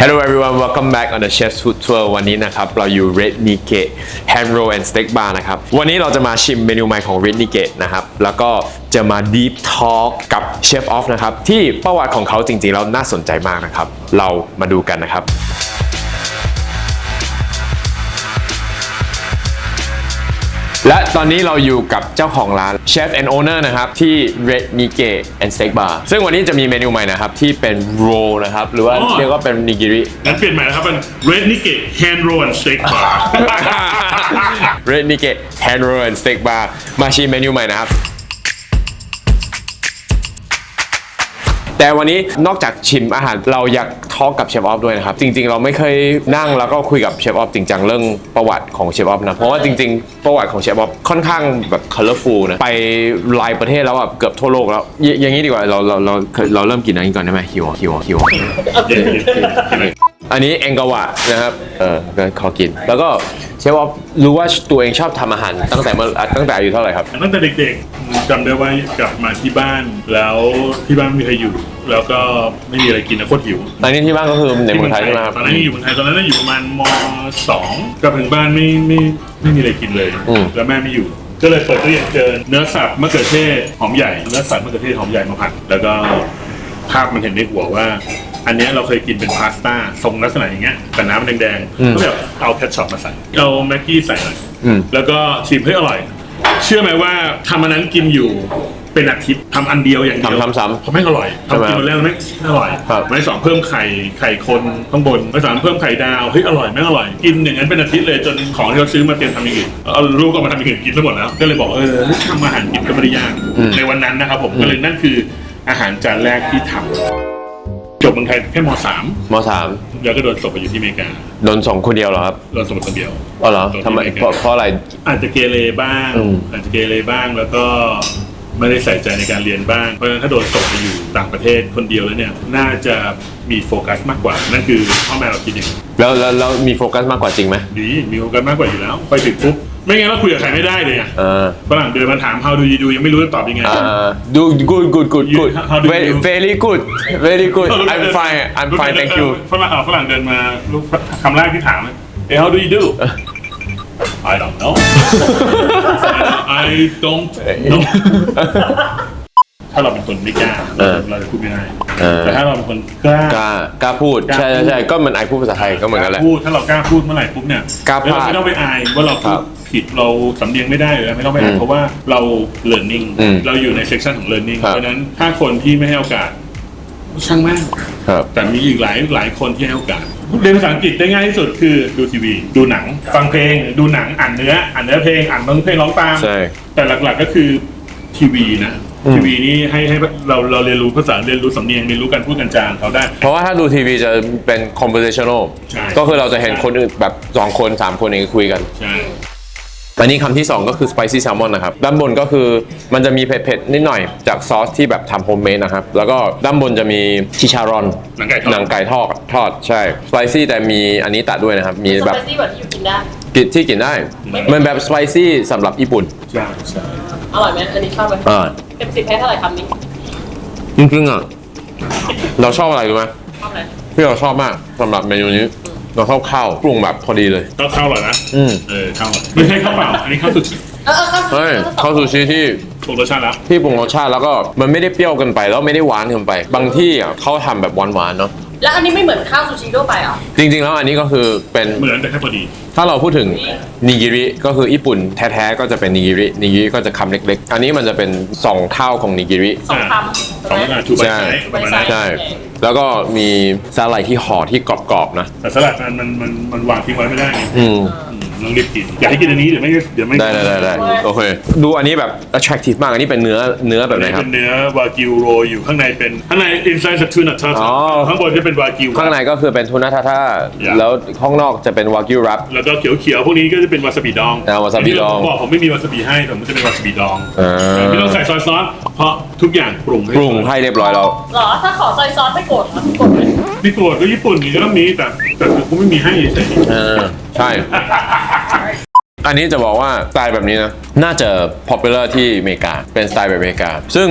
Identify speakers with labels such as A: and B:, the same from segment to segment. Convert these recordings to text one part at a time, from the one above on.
A: Hello everyone, welcome back on the Chef's Food Tour วันนี้นะครับเราอยู่ Red Nike Hand Roll and Steak Bar นะครับวันนี้เราจะมาชิมเมนูใหม่ของ Red Nike นะครับแล้วก็จะมา Deep Talk กับ Chef Off นะครับที่ประวัติของเขาจริงๆแล้วน่าสนใจมากนะครับเรามาดูกันนะครับและตอนนี้เราอยู่กับเจ้าของร้าน Chef and Owner นะครับที่ Red Nike and Steak Bar ซึ่งวันนี้จะมีเมนูใหม่นะครับที่เป็น roll นะครับหรือว่าเรียกว่าเป็นนิกิริ
B: งั้นเปลี่ยนใหม่นะครับเป็น Red Nike Hand Roll and Steak Bar
A: Red Nike Hand Roll and Steak Bar มาชิมเมนูใหม่นะครับแต่วันนี้นอกจากชิมอาหารเราอยากทอล์กกับเชฟออฟด้วยนะครับจริงๆเราไม่เคยนั่งแล้วก็คุยกับเชฟออฟจริงจังเรื่องประวัติของเชฟออฟนะเพราะว่าจริงๆประวัติของเชฟออฟค่อนข้างแบบ colorful นะไปหลายประเทศแล้วแบบเกือบทั่วโลกแล้วอย่างนี้ดีกว่าเราเริ่มกินอันนี้ก่อนได้ไหมหิวอันนี้เองกาวะนะครับก็ขอกินแล้วก็เชฟออฟรู้ว่าตัวเองชอบทำอาหารตั้งแต่อายุเท่าไหร่ครับ
B: ตั้งแต่เด็กๆจำได้ว่ากลับมาที่บ้านแล้วที่บ้านไม่มีใครอยู่แล้วก็ไม่มีอะไรกินนะโคตรหิว
A: ตอนนี้ที่บ้านก็คือในเมืองไทยใช่ไหมครับ
B: ตอนนั้นอยู่เมืองไทยตอนนั้นอยู่ประมาณม.2 กลับถึงบ้านไม่มีอะไรกินเลยแล้วแม่ไม่อยู่ก็เลยเปิดตู้เย็นเจอเนื้อสับมะเขือเทศหอมใหญ่เนื้อสับมะเขือเทศหอมใหญ่มาผัดแล้วก็ภาพมันเห็นในหัวว่าอันนี้เราเคยกินเป็นพาสต้าทรงลักษณะอย่างเงี้ยแต่น้ำมันแดงๆก็แบบเอาแคชช็อปมาใส่เอาแม็กกี้ใส่หน่อยแล้วก็ชิมให้อร่อยเชื่อไหมว่าทำอันนั้นกินอยู่เป็นอาทิตย์ทำอันเดียวอย่างเดียว
A: ทำ
B: เพราะไม่อร่อยทำกินมาแล้วไม่อร่อยไม่สองเพิ่มไข่คนข้างบนไม่สามเพิ่มไข่ดาวเฮ้ยอร่อยไม่อร่อยกินอย่างนั้นเป็นอาทิตย์เลยจนของที่เราซื้อมาเตรียมทำอย่างอื่นเอาลูกก็มาทำอย่างอื่นกินทั้งหมดแล้วก็เลยบอกทำอาหารกินก็ไม่ได้ยากในวันนั้นนะครับผมก็เลยนั่นคืออาหารจานแรกที่ทำจบเมืองไทยแค่ม.3 แล้วก็โดนส่งไปอยู่ที่อเมริกา
A: โดนส่งคนเดียวเหรอครับ
B: โดนส่งคนเดียว
A: อ๋อเหรอทำไมเพราะอะไร
B: อาจจะเกเรบ้างแล้วก็ไม่ได้ใส่ใจในการเรียนบ้างเพราะฉะนั้นถ้าโดนส่งไปอยู่ต่างประเทศคนเดียวแล้วเนี่ยน่าจะมีโฟกัสมากกว่านั่นคือพ่อแม่เราคิดอย่างนี้
A: แล้วมีโฟกัสมากกว่าจริงไหม
B: มีโฟกัสมากกว่าอยู่แล้วไปถึงปุ๊บไม่งั้นเราคุยกับใครไม่ได้เลยอ่ะฝรั่งเดินมาถาม how do you do ยังไม่รู้จะตอบยังไง
A: do good very good I'm fine thank you
B: ฝรั่งเดินมาคำแรกที่ถามhow do you do I don't know I don't know ถ้าเราเป็นคนไม่กล้าเราจะพูดไม่ได้แต่ถ้าเราเป็นคนก
A: ล้าพูดใช่ก็เหมือนไอพูดภาษาไทยก็เหมือนกันแหละ
B: ถ้าเรากล้าพูดเมื่อไหร่ปุ๊บเนี่ยเราไม่ต้องไปอายว่าเราพูดผิดเราสำเนียงไม่ได้หรือไม่ต้องไปอายเพราะว่าเรา learning เราอยู่ใน section ของ learning เพราะนั้นถ้าคนที่ไม่ให้โอกาสช่างแม่งแต่มีอีกหลายคนที่ให้โอกาสเรียนภาษาอังกฤษได้ง่ายที่สุดคือดูทีวีดูหนังฟังเพลงดูหนังอ่านเนื้อเพลงอ่านเพลงร้องตามแต่หลักๆก็คือทีวีนะทีวีนี่ให้เราเรียนรู้ภาษาเรียนรู้สำเนียงเรียนรู้การพูดกันจางเขาได้
A: เพราะว่าถ้าดูทีวีจะเป็น conversational ก็คือเราจะเห็นคนอื่นแบบ2คน3คนเองคุยกัน
B: ใช่
A: อันนี้คำที่2ก็คือ spicy salmon นะครับด้านบนก็คือมันจะมีเผ็ดๆนิดหน่อยจากซอสที่แบบทำโฮมเมดนะครับแล้วก็ด้านบนจะมีชิชารอนหนังไก่ทอดใช่ spicy แต่มีอันนี้ตัดด้วยนะครับมีแบบ
C: spicy แบบที่อยู่กินได้
A: ที่กินได้มันแบบ spicy สำหรับญี่ปุ่น
B: ใช่
C: อร่อยไหมอันนี้ชอบไหมเต็ม10ให้เท่าไหร่คำนี้
A: จริงๆอ่ะเราชอบอะไรรู้ไหม
C: ชอบอะไร
A: ที่เราชอบมากสำหรับเมนูนี้เราชอบข้าวปรุงแบบพอดีเลย
B: ข้าวอร่อยนะข้าวไม่ใช่ข้าวเปล่าอันนี้ข้าวสุชิ
A: ข้าวซูชิที่
B: ปรุงรสชาติแล้ว
A: แล้วก็มันไม่ได้เปรี้ยวเกินไปแล้วไม่ได้หวานเกินไปบางที่อ่ะเขาทำแบบหวานๆเนาะ
C: แล้วอันนี้ไม่เหมือนข้าวซูชิทั่วไปอ่ะ
A: จริงๆแล้วอันนี้ก็คือเป็น
B: เหมือนแต่แค่พอดี
A: ถ้าเราพูดถึงนิกิริก็คือญี่ปุ่นแท้ๆก็จะเป็นนิกิริก็จะคำเล็กๆอันนี้มันจะเป็น2เท่าของนิกิริ
C: 2คำ
B: ใช่
A: ใช่แล้วก็มีสลัดที่ห่อที่กรอบๆนะ
B: แต่สลัดมันวางทิ้งไว้ไม่ได้ต้องรีบกินอยากให้กินอันนี้เดี๋ยวไม่
A: ได้โอเคดูอันนี้แบบ attractive มากอันนี้เป็นเนื้อแบบไหนครับ
B: เป็นเนื้อวากิวโรอยู่ข้างในเป็นข้างใน inside the tuna tartar ข้างบนจะเป็นวากิว
A: ข้างในก็คือเป็นทูน่าทาท่าแล้วข้างนอกจะเป็นวากิวรับ
B: แล้วก็เขียวพวกนี้ก็จะเป็นวาซาบิดอง
A: วาซาบิดอง
B: ผมไม่มีวาซาบิให้แต่มันจะเป็นวาซาบิดองไม่ต้องใส่ซอยซอสเพราะทุกอย่างปรุง
A: ให้เรียบร้อยแล้ว
C: หรอถ้าขอซอยซอสไม่โกรธ
B: ไม่โกรธก็ญี่ปุ่นนี่ก็ต้องมีแต่กูไม่มีให้เฉย
A: ใช่อันนี้จะบอกว่าสไตล์แบบนี้นะน่าจะ popular ที่อเมริกาเป็นสไตล์แบบอเมริกาซึ่ง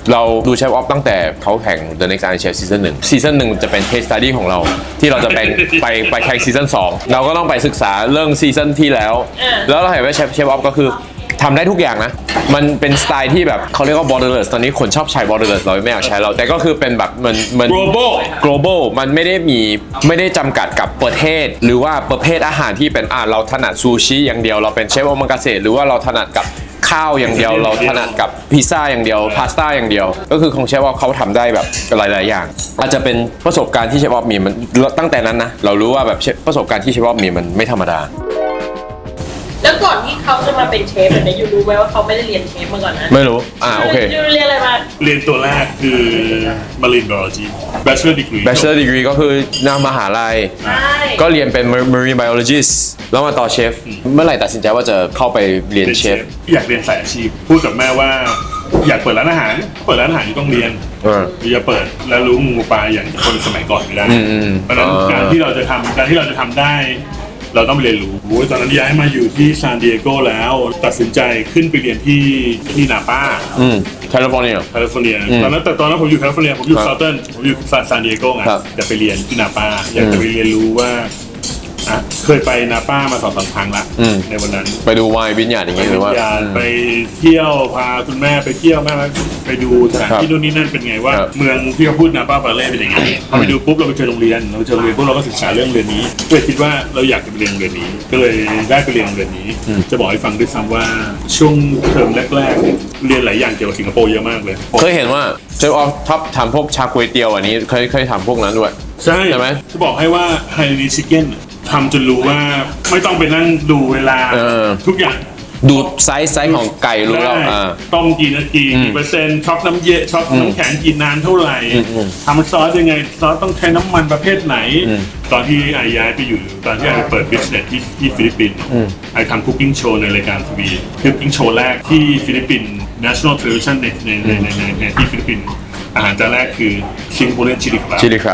A: เราดูเชฟออฟตั้งแต่เขาแข่ง The Next Iron Chef ซีซั่น1จะเป็น case study ของเราที่เราจะไปแข่งซีซั่น2เราก็ต้องไปศึกษาเรื่องซีซั่นที่แล้วเราเห็นว่าเชฟออฟก็คือทำได้ทุกอย่างนะ มันเป็นสไตล์ที่แบบเขาเรียกว่า borderless ตอนนี้คนชอบใช้ borderless เราไม่อยากใช้เรา แต่ก็คือเป็นแบบมัน global มันไม่ได้จำกัดกับประเทศ หรือว่าประเภทอาหารที่เป็นเราถนัดซูชิอย่างเดียวเราเป็นเชฟโอมากาเสะหรือว่าเราถนัดกับข้าวอย่างเดียวเราถนัดกับพิซซ่าอย่างเดียวพาสต้าอย่างเดียวก็คือของเชฟออฟเขาทำได้แบบหลายๆอย่างอาจจะเป็นประสบการณ์ที่เชฟออฟมีมันตั้งแต่นั้นนะเรารู้ว่าแบบประสบการณ์ที่เชฟออฟมีมันไม่ธรรมดา
C: แล้วก่อนที่เขาจะมาเป็นเชฟเนี่ยยูรู้ไหมว่าเขาไม่ได้เรียนเชฟมาก่อนนะ
A: ไม่รู้โอเค
C: ยูเรียนอะไรมา
B: เรียนตัวแรกคือ Marine Biology Bachelor Degree
A: ก็คือนมหาลัยก็เรียนเป็น Marine Biologist แล้วมาต่อเชฟเมื่อไหร่ตัดสินใจว่าจะเข้าไปเรียนเชฟ
B: อยากเรียนสายอาชีพพูดกับแม่ว่าอยากเปิดร้านอาหารอยู่ต้องเรียนอย่าเปิดแล้วรู้งูปลาอย่างคนสมัยก่อนไม่ได้เพราะฉะนั้นการที่เราจะทำได้เราต้องไปเรียนรู้ตอนนั้นย้ายมาอยู่ที่ซานดิเอโกแล้วตัดสินใจขึ้นไปเรียนที่นาปา
A: แคลิฟอร์เนีย
B: ตอนนั้นผมอยู่แคลิฟอร์เนียผมอยู่เซาเทิร์นผมอยู่ซานดิเอโกไงจะไปเรียนที่นาปาอยากจะไปเรียนรู้ว่าเคยไปนาป้ามา2-3 ครั้งละในวันนั้น
A: ไปดูไวน์วิญญาณอย่างเงี้ยหรือว่า
B: ไปเที่ยวพาคุณแม่ไปเที่ยวแม่ไปดูสถานที่นู่นนี่นั่นเป็นไงว่าเมืองที่เขาพูดนาป้าปาเล่เป็นยังไงพอไปดูปุ๊บเราไปเจอโรงเรียนปุ๊บเราก็ศึกษาเรื่องเรียนนี้ก็เลยคิดว่าเราอยากจะไปเรียนโรงเรียนนี้ก็เลยได้ไปเรียนโรงเรียนนี้จะบอกให้ฟังด้วยซ้ำว่าช่วงเทอมแรกๆเรียนหลายอย่างเกี่ยวกับสิงคโปร์เยอะมากเลย
A: เคยเห็นว่าเชฟออฟท็อปทำพวกชาก๋วยเตี๋ยวอันนี้เคยทำพวกนั้นด้วย
B: ใช่ไหมจะบอกให้ว่าไฮนีชิคเก้นทำจนรู้ว่าไม่ต้องไปนั่งดูเวลาทุกอย่าง
A: ดูไซส์ของไก่รู้แล้ว
B: ต้มกี่นาทีกี่เปอร์เซ็นต์ช็อกน้ำเย็นช็อกน้ำแข็งกี่นานเท่าไหร่ทำซอสยังไงซอสต้องใช้น้ำมันประเภทไหนตอนที่ย้ายไปอยู่ตอนที่ไอเปิดบิสเนสที่ฟิลิปปินส์ไอทำคุกกิ้งโชว์ในรายการทีวีคุกกิ้งโชว์แรกที่ฟิลิปปินส์ National Television ในที่ฟิลิปปินส์อาหารจานแรกคือซิงโกเลียนชิลิครับ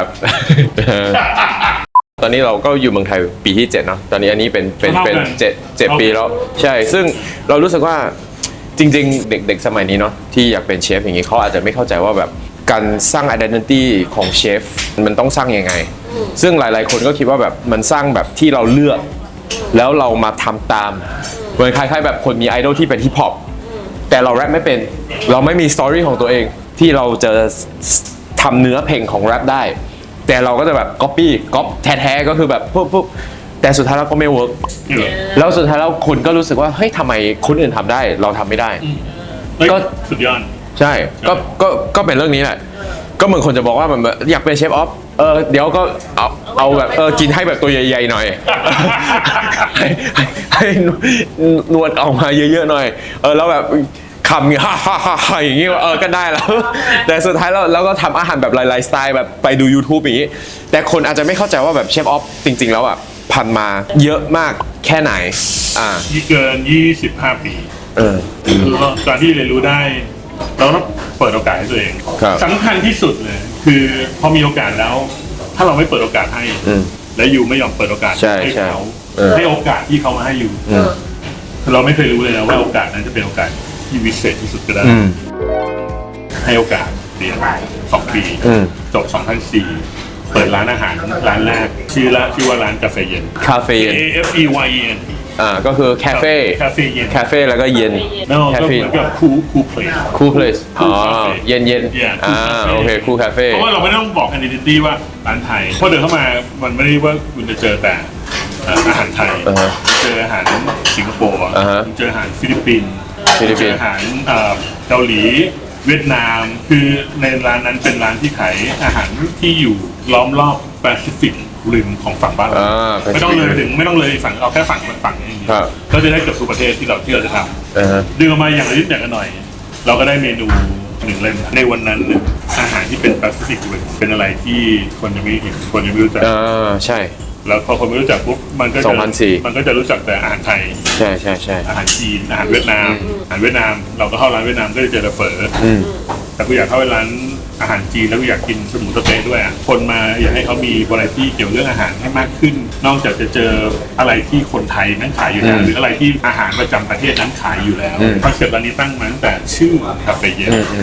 A: ตอนนี้เราก็อยู่เมืองไทยปีที่7เนาะตอนนี้อันนี้เป็น7 ปีแล้วใช่ซึ่งเรารู้สึกว่าจริงๆเด็กสมัยนี้เนาะที่อยากเป็นเชฟอย่างนี้เขาอาจจะไม่เข้าใจว่าแบบการสร้าง identity ของเชฟมันต้องสร้างยังไงซึ่งหลายๆคนก็คิดว่าแบบมันสร้างแบบที่เราเลือกแล้วเรามาทำตามเหมือนคล้ายๆแบบคนมีไอดอลที่เป็นฮิปฮอปแต่เราแรปไม่เป็นเราไม่มีสตอรี่ของตัวเองที่เราจะทำเนื้อเพลงของแรปได้แต่เราก็จะแบบก๊อปแท้ๆก็คือแบบปุ๊บแต่สุดท้ายแล้วก็ไม่เวิร์กแล้วสุดท้ายแล้วคนก็รู้สึกว่าเฮ้ยทำไมคนอื่นทำได้เราทำไม่ได้
B: ก็สุดยอด
A: ใช่ก็เป็นเรื่องนี้แหละก็เหมือนคนจะบอกว่ามันอยากเป็นเชฟออฟเดี๋ยวก็เอาแบบกินให้แบบตัวใหญ่ๆหน่อยให้นวดออกมาเยอะๆหน่อยแล้วแบบคำอย่างอย่างนี้ก็ได้แล้วแต่สุดท้ายเราก็ทำอาหารแบบหลายๆสไตล์แบบไปดู YouTube อย่างนี้แต่คนอาจจะไม่เข้าใจว่าแบบเชฟออฟจริงๆแล้วแบบผ่านมาเยอะมากแค่ไหน
B: เกิน25 ปีตอนที่เรียนรู้ได้เราต้องเปิดโอกาสให้ตัวเองสำคัญที่สุดเลยคือพอมีโอกาสแล้วถ้าเราไม่เปิดโอกาสให้และยูไม่ยอมเปิดโอกาสให้เขาให้โอกาสที่เขามาให้ยูเราไม่เคยรู้เลยนะว่าโอกาสนั้นจะเป็นโอกาสที่วิเศษที่สุดก็ได้ให้โอกาสเรียน2 ปีจบ2004เปิดร้านอาหารร้านแรกชื่อว่าร้านกาแฟเย็นAFEYEN
A: ก็คือคาเฟ่แล้วก็เย็น
B: คาเฟ่เหมือนกับคูเพลส
A: เย็นโอเคคูคาเฟ่
B: เพราะว่าเราไม่ต้องบอก identity ว่าร้านไทยพอเดินเข้ามามันไม่ได้ว่าคุณจะเจอแต่อาหารไทยเจออาหารสิงคโปร์เจออาหารฟิลิปปินส์เจออาหารเกาหลีเวียดนามคือในร้านนั้นเป็นร้านที่ขายอาหารที่อยู่ล้อมรอบแปซิฟิกริมของฝั่งบ้านเราไม่ต้องเลยฝั่งเอาแค่ฝั่งนี้ก็จะได้เกือบทุกประเทศที่เราจะทำดึงออกมาอย่างละนิดอย่างละหน่อยเราก็ได้เมนู1 เล่มในวันนั้นอาหารที่เป็นแปซิฟิกริมเป็นอะไรที่คนยังไม่เห็นคนยังไม่รู้จัก
A: ใช่
B: แล้วพอคนไม่รู้จักปุ๊บมันก็จะรู้จักแต่อาหารไทย
A: ใช่
B: อาหารจีนอาหารเวียดนามเราก็เข้าร้านเวียดนามก็จะเจอเฝอแต่กูอยากเข้าไปร้านอาหารจีนแล้วกูอยากกินสมุนสเต๊ะด้วยคนมาอยากให้เขามีวาไรตี้เกี่ยวเรื่องอาหารให้มากขึ้นนอกจากจะเจออะไรที่คนไทยนั้นขายอยู่แล้วหรืออะไรที่อาหารประจำประเทศนั้นขายอยู่แล้วคอนเซ็ปต์ร้านนี้ตั้งมาตั้งแต่ชื่อคาเฟ่เย็น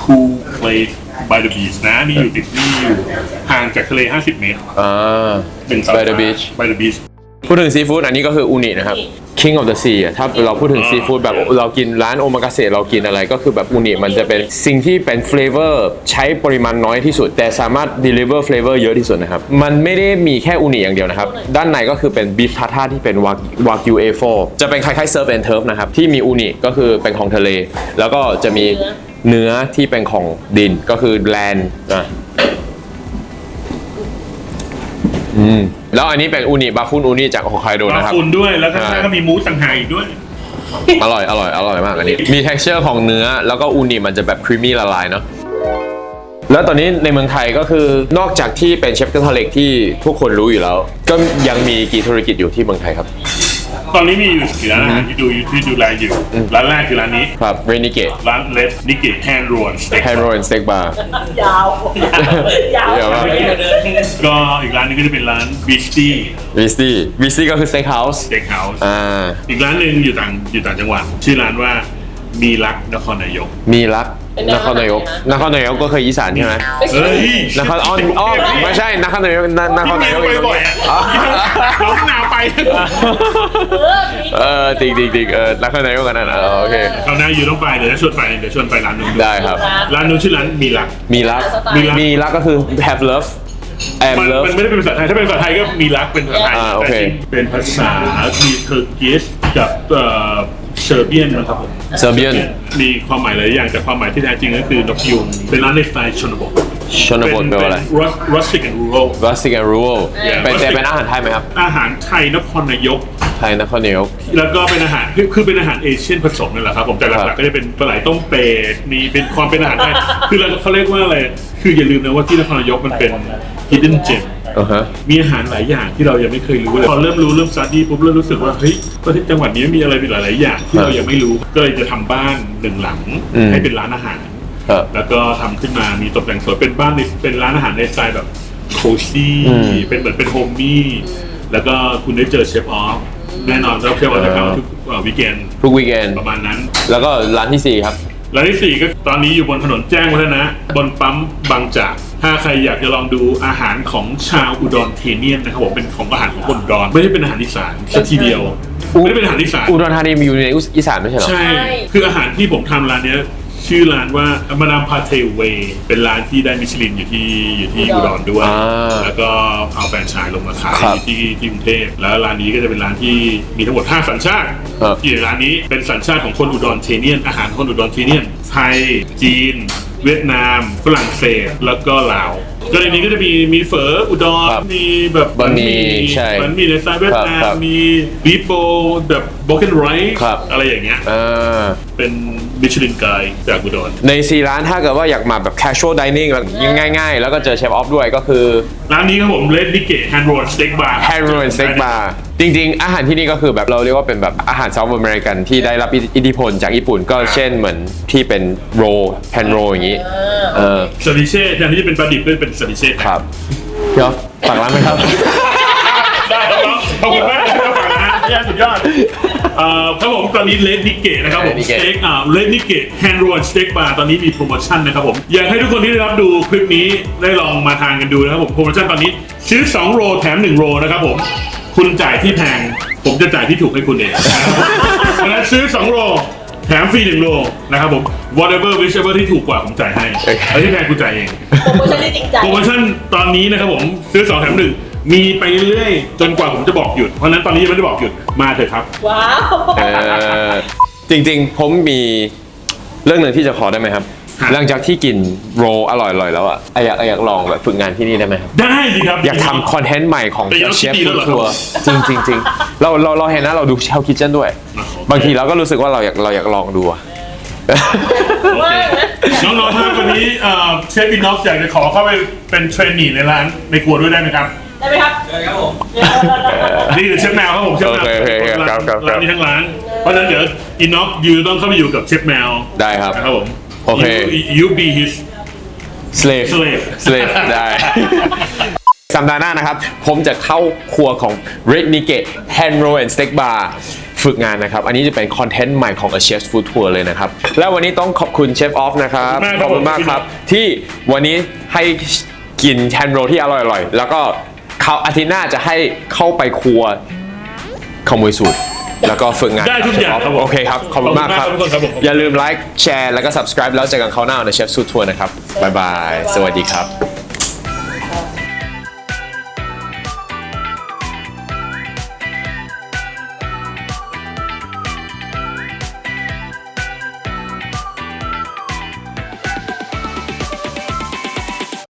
B: Cool Place by the Beach นะนี่อยู่ห่างจากทะเล50 เมตร
A: By the beach
B: by the beach
A: พูดถึงซีฟู้ดอันนี้ก็คืออูนินะครับ King of the Sea ถ้าเราพูดถึงซีฟู้ดแบบเรากินร้านโอมากาเสะเรากินอะไรก็คือแบบอูนิมันจะเป็นสิ่งที่เป็นเฟลเวอร์ใช้ปริมาณน้อยที่สุด แต่สามารถ deliver flavor เยอะที่สุดนะครับ มันไม่ได้มีแค่อูนิอย่างเดียวนะครับ ด้านในก็คือเป็นบีฟทาท่าที่เป็นวากิว A4 จะเป็นคล้ายๆเซิร์ฟแอนด์เทิร์ฟนะครับ ที่มีอูนิก็คือเป็นของทะเล แล้วก็จะมีเนื้อที่เป็นของดินก็คือแลนด์แล้วอันนี้เป็นอูนิบาฟุนอูนิจากฮอกไกโดนะครับ
B: บาฟุนด้วยแล้วก็ก็มีมูสต่างหากอีกด้วย
A: อร่อยมากอันนี้มี texture ของเนื้อแล้วก็อูนิมันจะแบบครีมมี่ละลายเนาะแล้วตอนนี้ในเมืองไทยก็คือนอกจากที่เป็นเชฟกระทะเหล็กที่ทุกคนรู้อยู่แล้ว ก็ยังมีกี่ธุรกิจอยู่ที่เมืองไทยครับ
B: ตอนนี้มีอยู่4ร้านอาหารที่ดูแลอยู่ร้านแรกคือร้านนี้
A: ครับเรนิเกต
B: ร้านเลดนิเกตแฮนด์โรนสเต็ก
A: แฮนด์โรลสเต็กบาร์
C: ยาวยาว
A: เดี๋ยวว่า
B: ก็อีกร้านนึงก็จะเป็นร้านบิสตี้
A: วิสตี้ก็คือสเต็กเฮาส์
B: สเต็กเฮาส์
A: อี
B: กร้านหนึ่งอยู่ต่างจังหวัดชื่อร้านว่ามีรักนครนายก
A: มีรักนครนายกก็เคยอีสานใช่ไหม
B: เฮ้ย
A: นครอ้อไม่ใช่นครนายกนครนายก
B: ไปบ่อยอ่ะเราหนาวไป
A: จริงนครนายกกันนั่นโอเค
B: เขาหน้าอยู่ต้องไปเดี๋ยวชวนไปร้านนู้น
A: ได้ครับ
B: ร้านนู้นชื่อร้านมีรัก
A: มีรักก็คือ have love am
B: มัน
A: love
B: ไม่ได้เป็นภาษาไทยถ้าเป็นภาษาไทยก็มีรักเป็นภาษาไทย
A: โอ
B: แต่
A: เค
B: จริงเป็นภาษาทีเทอร์กิสกับเซอร์เบียนนะครับผม
A: เซอร์เบียน
B: มีความหมายหลายอย่างแต่ความหมายที่แท้จริงก็คือนกยูงเป็นร้านในสไตล์ชนบท
A: ชนบทแปลว่าอะไร
B: rustic and rural
A: rustic and rural เป็นอาหารไทยไหมครับ
B: อาหารไทยนครนายก
A: ไทยนครนายก
B: แล้วก็เป็นอาหารคือเป็นอาหารเอเชียนผสมนั่นแหละครับผมแต่หลักๆก็จะเป็นปลาไหลต้มเป็ดมีเป็นความเป็นอาหารไทยคือเขาเรียกว่าอะไรคืออย่าลืมนะว่าที่นครนายกมันเป็น hidden gem มีอาหารหลายอย่างที่เรายังไม่เคยรู้เลยพอเริ่มสตาร์ดี้ปุ๊บเริ่มรู้สึกว่าเฮ้ยประเทศจังหวัดนี้มีอะไรเป็นหลายๆอย่างที่เรายังไม่รู้ก็เลยจะทำบ้านหนึ่งหลังให้เป็นร้านอาหารแล้วก็ทำขึ้นมามีตกแต่งสวยเป็นบ้านเป็นร้านอาหารในสไตล์แบบโคซี่เป็นเหมือนเป็นโฮมมี่แล้วก็คุณได้เจอเชฟออฟแน่นอนเราเชฟออฟจะเข้าทุกวีคเอนด์
A: ทุกวีคเอนด์
B: ประมาณนั้น
A: แล้วก็ร้านที่4ครับ
B: ร้านที่4ก็ตอนนี้อยู่บนถนนแจ้งวัฒนะบนปั๊มบางจากถ้าใครอยากจะลองดูอาหารของชาวอุดรเทเนียนนะครับผมเป็นของอาหารของคนอุดรไม่ได้เป็นอาหารอีสานสักทีเดียวไม่ได้เป็นอาหารอีสาน
A: อุดรธานีมีอยู่ในอีสานไม่ใช่หรอ
B: ใช่คืออาหารที่ผมทำร้านเนี้ยชื่อร้านว่ามาดามพาเทเวเป็นร้านที่ได้มิชลินอยู่ที่อุดรด้วยแล้วก็เอาแฟรนไชส์ลงมาขายที่กรุงเทพแล้วร้านนี้ก็จะเป็นร้านที่มีทั้งหมด5สัญชาติที่ร้านนี้เป็นสัญชาติของคนอุดรเทเนียนอาหารคนอุดรเทเนียนไทยจีนเวียดนามฝรั่งเศสแล้วก็ลาวก็ในนี้ก็จะมีเฝออุดรมีแบบบะหมี่ในสไตล์เวียดนามมีบีฟโบแบบโบเกนไรซ์อะไรอย่างเงี้ยเป็นมิชลินไกด์จากอุดร
A: ใน4ร้านถ้าเกิดว่าอยากมาแบบ casual dining แบบง่ายๆแล้วก็เจอเชฟออฟด้วยก็คือ
B: ร้านนี้ครับผมเลดนิเกตแฮนด์โรลสเต็กบาร์
A: จริงๆอาหารที่นี่ก็คือแบบเราเรียกว่าเป็นแบบอาหารเซาท์อเมริกันที่ได้รับอิทธิพลจากญี่ปุ่นก็เช่นเหมือนที่เป็นโรแฮนด์โรอย่างนี้
B: ซาดิเช่แทนที่จะเป็นปลาดิบด้วยเป็นซาดิเช่
A: ครับพี่ออฟฝากร้านไหมครับ
B: ได้ครับขอบคุณมากที่ฝากร้านสุดยอดครับผมตอนนี้เลดนิเกตนะครับผมสเต็กเลดนิเกตแฮนด์โรลสเต็กบาร์ตอนนี้มีโปรโมชั่นนะครับผมอยากให้ทุกคนที่ได้รับดูคลิปนี้ได้ลองมาทานกันดูนะครับผมโปรโมชั่นตอนนี้ซื้อ2โรแถม1โรนะครับผมคุณจ่ายที่แพงผมจะจ่ายที่ถูกให้คุณเองเพราะฉะนั้นซื้อ2โรแถมฟรี1โลนะครับผม whatever whichever ที่ถูกกว่าผมจ่ายให้แล้วที่แพงคุณจ่ายเอง
C: โปรโมชั่นที่จริงใจ
B: โปรโมชั่นตอนนี้นะครับผมซื้อ2แถม1มีไปเรื่อยๆจนกว่าผมจะบอกหยุดเพราะนั้นตอนนี้ยังไม่ได้บอกหยุดมาเถอะครับ
C: ว้าว
A: จริงๆผมมีเรื่องหนึ่งที่จะขอได้ไหมครับหลังจากที่กินโรอร่อยๆแล้วอ่ะอยากลองแบบฝึกงานที่นี่ได้ไหมครับ
B: ได้สิครับ
A: อยากทำคอนเทนต์ใหม่ของเชฟฟู้ดทัวร์จริงเราเห็นนะเราดูเชลคิทเช่นด้วยบางทีเราก็รู้สึกว่าเราอยากลองดู
B: น้องๆท่านวันนี้เชฟบินน็อกอยากจะขอเข้าไปเป็นเทรนนีในร้านในครัวด้วยได้ไหมครับ
C: ได้ไหมครับได้ครับผม
B: นี่คือเชฟแมวครับผมเชฟแมวร้านนี้ทั้งร้านเพราะฉะนั้นเดี๋ยวอินน็อกยูต้องเข้าไปอยู่กับเชฟแมว
A: ได้ครับ
B: ครับผม
A: โอเค
B: you be his
A: slave ได้ สัปดาห์หน้านะครับผมจะเข้าครัวของ Red Nikkei Hand Roll and Steak Bar ฝึกงานนะครับอันนี้จะเป็นคอนเทนต์ใหม่ของ A Chef's Food Tour เลยนะครับและวันนี้ต้องขอบคุณเชฟออฟนะครับขอบคุณมากครับที่วันนี้ให้กินแฮนด์โรลที่อร่อยๆแล้วก็เขาอาทิตย์หน้าจะให้เข้าไปครัวขโมยสูตรแล้วก็ฝึกงาน
B: ได้ทุกอย่างครับผม
A: โอเคครับขอบคุณมากครับ
B: ขอบคุณมากครับผม
A: อย่าลืมไลค์แชร์แล้วก็ subscribe แล้วเจอกันคราวหน้าใน Chef's Food Tour นะครับบ๊ายบายสวัสดีครับ